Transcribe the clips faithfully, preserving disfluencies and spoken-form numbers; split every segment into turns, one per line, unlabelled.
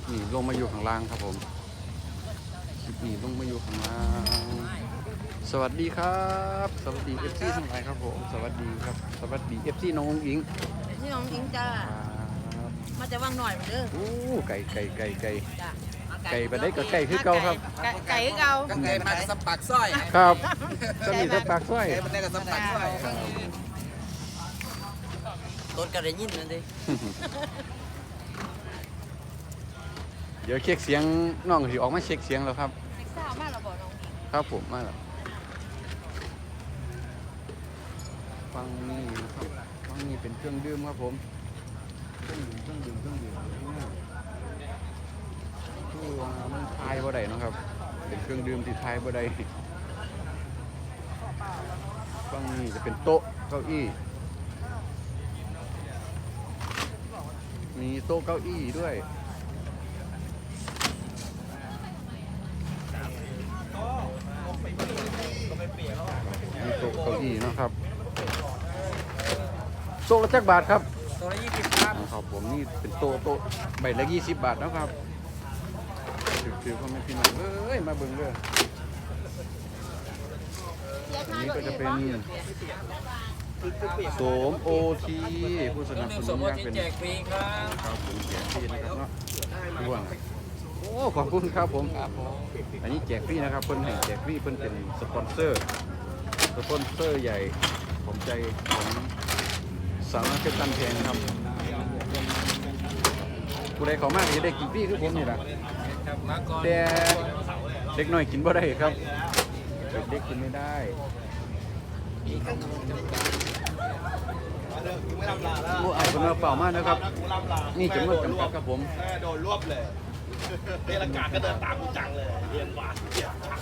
นี่ลงมาอยู่ข้างล่างครับผมคลิปนี้ลงมาอยู่ข้างล่างสวัสดีครับสวัสดีเอฟซีทั้งหลายครับผมสวัสดีครับสวัสดีเอฟซีน้องอิง
นี่น้องอิงจ้า
ครับ
มาจะว่างหน่อยเด้อ
โอ้ไก่ไก่ไก่ไก่
จ้า
ไก่ไปได้ก็ไก่คือเก่าครับ
ไก่ไก่คือเก่า
ก็ไก่มากับสับปากสร้อย
ครับก็มีสักปากสร้อย
ไก่มันได้กับสับปากสร้อย
ต้นกระดิ่งยินนั่นดิ
เดี๋ยวเช็คเสียงน้องสิออกมาเช็คเสียงแล้วครับ
เซ็กซ่ามากเราบอกน้อง
ครับผมมาแล้วฟังนี่นะครับฟังนี่เป็นเครื่องดื่มครับผมเครื่องดื่มเครื่องดื่มเครื่องดื่มคือว่ามันทายบ่ได้เนาะครับเป็นเครื่องดื่มที่ทายบ่ได้ฟังนี่จะเป็นโต๊ะเก้าอี้มีโต๊ะเก้าอี้ด้วยมีโต๊ะเก้าอี้เนาะครับโต๊ะละจักบาทครับ
ตัวละยี่สิบครับ
ครับผมนี่เป็นโต๊ะโต๊ะใบละยี่สิบบาทนะครับถือๆพ่อแม่พี่น้องเอ้ยมาเบิ่งเด้ออันนี้ก็จะเป็นโสมโอทีผู้สนับสนุนอย่างเป็น
แจกฟรีครับ
ครับผมแจกฟรีนะครับเนาะด้วงโอ้ขอบคุณครับผมอันนี้แจกฟรีนะครับเพิ่นให้แจกฟรีเพิ่นเป็นสปอนเซอร์สปอนเซอร์ใหญ่ของใจของสาวนักเพชรตันแพงครับผู้ใดเขามากจะได้กินฟรีคือผมนี่แหละ
ครับมาก่อน
แต่เด็กน้อยกินบ่ได้ครับเด็กกินไม่ได้โอ้ไอ้คนเอาเปล่ามากนะครับนี่จำนวนจำกัดครับผม
แม่โดนรวบเลยเรียนอากาศก็เดินตามกูจังเลย เรียนหวานเรียนชัก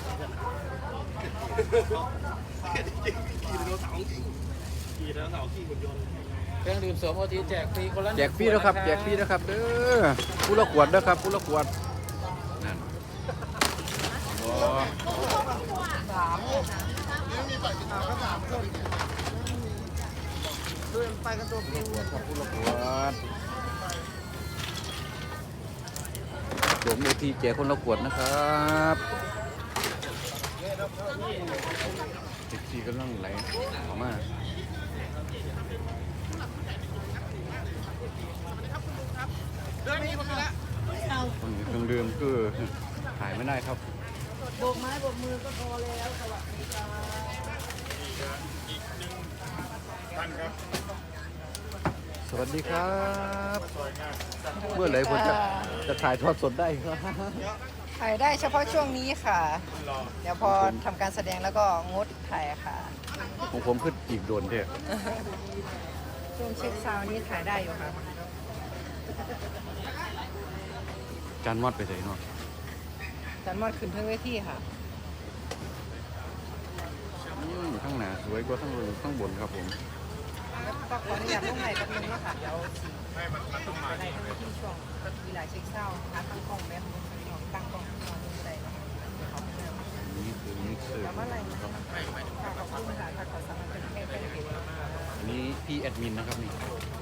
จริงๆขี่ไดโนเสาร์จริงขี่ไดโนเสาร์ขี่หุ่นยนต์
เครื่องดื่มโสมโอทีแจกฟรีคนละ
แจกฟรีแล้วครับแจกฟรีแล้วครับเด้อผู้ละขวดเด้อครับผู้ละขวดนั่นโอ้
ดูไปกันตัวเพียง
ครับผู้ละขวดสวมโอทีแจกคนละขวดนะครับเด็กทีกำลังไหลออกมาคนนี้เครื่องดื่มคือถ่ายไม่ได้ครับ
โบกไม้โบกมือก็พอแล้วสวัสดีจ้า
สวัสดีครับ เมื่อไหร่ผมจะจะถ่ายทอดสดได้ครับ
ถ่ายได้เฉพาะช่วงนี้ค่ะ เดี๋ยวพอทำการแสดงแล้วก็งดถ่ายค่ะ
ของผมคืออีกโดนเถอะ
ช่วงเช็คซาวน์นี้ถ่ายได้อยู่ค่ะ
จานมอดไปไหนเนาะ
จันมอดขึ้นเพิ่งเวทีค่ะ
อืมข้างหน้าสวยกว่าข้างบนข้างบนครับผม
ก็ขออนุญาตลงไหนแป๊บนึงนะคะเดี๋ยวสิจะได้ทั้งที่ช่วงมีหลายเช็คซาวน์หาตั้งกล้องแบบนึงของตั้งกล้องนอนดูได้เนาะ
นี่คือมิกเซอร์
แล้วเมื่อไหร่
นะ
นะ
ค
คะ
รับ
ขอบคุณค่ะถ้าขอสมัครเป็นแค่เป็นเด็ก
อันนี้พี่แอดมินนะครับนี่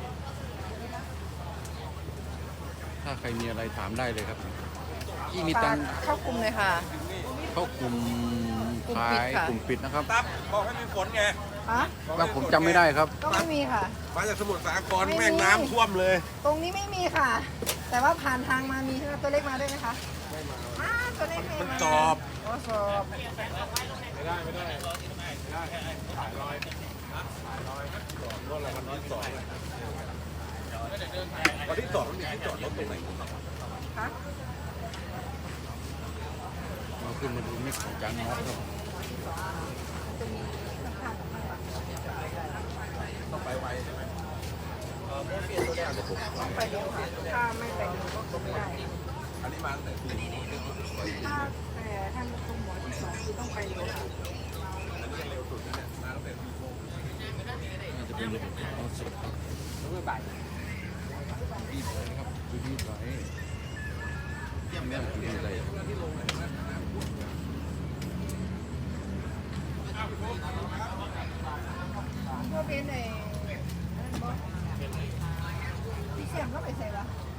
ถ้าใครมีอะไรถามได้เลยครับพี่มีตั
ฝาก
งค์
เข้ากลุ่มเลยค่ะ
เข้ากลุ่ม
กลุ่ม
ขา
ปิด
ย
ค่ะ
กลุ่มปิดนะครับ
ตับบอกให้มีฝนไง
ฮะ
ว่าผมจำไม่ได้ครับ
ก็ไม่มีค่ะ
มาจากสมุทรสาคร
ไม่มี
แม่งน้ำท่วมเลย
ตรงนี้ไม่มีค่ะ แต่ว่าผ่านทางมามีใช่ไหมตัวเล็กมาด้วยไหมคะไม่มาอ้าตัวเล็กไม่
มัน
มา
จอบ
โอ้สอบ
ไม่ได้ไม่ได้ไม่ได้ถ่ายรอยถ่ายรอยรถอะไรมันที่สองวันที่สองมันมีที่จอดรถตรงไหน
คะ
เราขึ้นมาดูมิกของจานมอสครับ
ต้องไปไวใช่ไหม
ต้องไปเร็วค่ะถ้าไม่ไปเร็วก็คงไม่ได้
อันนี้มาตั้งแต่ปี
ถ้าแต่ท่านคุณหมอที่สองคือต้องไปเร็วค่ะ
เร็วสุดนะเนี่ยมาตั้งแต่ปีโมง
น่าจะเป็นเอาสดครับบีบเลยนะครับคือบีบไว้ยังไม่คือบีบอะไร
เพื่อเป็นไอ้นั่นบอสพี่เสียมก็ไปใส่ละ